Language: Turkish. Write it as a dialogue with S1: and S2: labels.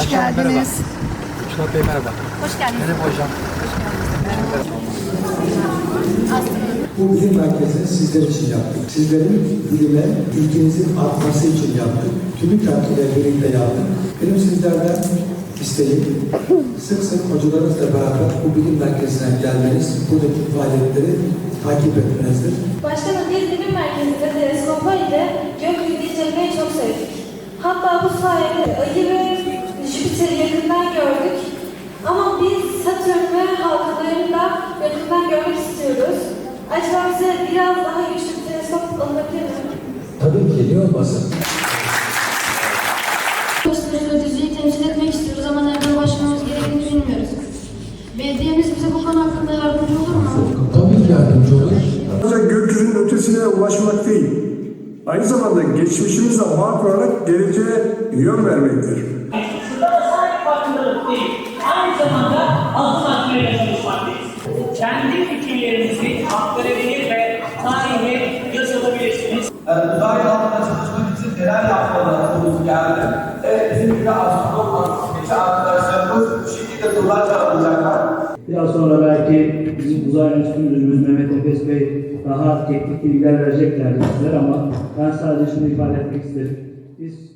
S1: Hoş geldiniz.
S2: Mustafa Bey merhaba.
S1: Hoş geldiniz.
S2: Benim hocam.
S3: Bu bilim merkezini sizler için yaptık. Sizlerin bilime, bilginizin artması için yaptık. TÜBİTAK ile birlikte yaptık. Benim sizlerden isteğim, sık sık hocalarınızla beraber bu bilim merkezine gelmeniz, buradaki faaliyetleri takip etmenizdir.
S4: Başkanım, biz bilim merkezinde teleskoplar ile gökyüzünü incelemeyi çok sevdik. Hatta bu sayede Ay'ı ve Jüpiter'i yakından gördük. Ama biz Satürn ve halkalarını da yakından görmek istiyoruz. Acaba bize biraz daha güçlü bir teleskop alınabilir mi?
S3: Tabii ki, niye olmasın?
S5: Ötüzü'yü temsil etmek istiyoruz ama nereden başlamamız gerektiğini bilmiyoruz. Belediyemiz bize bu konu hakkında yardımcı olur mu?
S3: Tabii ki yardımcı olur.
S6: Sadece gökyüzünün ötesine ulaşmak değil, aynı zamanda geçmişimizle bağ kurarak geleceğe yön vermektir.
S7: Şurada sadece farkındalık değil, aynı zamanda adım atmaya çalışmaktayız. Kendi fikirlerinizi aktarabilir ve tarihe yazılabilirsiniz.
S8: Uzay alanında çalışmak için neler yapmalarımız geldi. Evet, bizim gibi astronomik arkadaşlarımız bu şekilde sorular cevaplayacaklar.
S9: Biraz sonra belki bizim uzay enstitü müdürümüz Mehmet Efes Bey daha teknik bilgiler vereceklerdir sizler ama ben sadece şunu ifade etmek isterim. Biz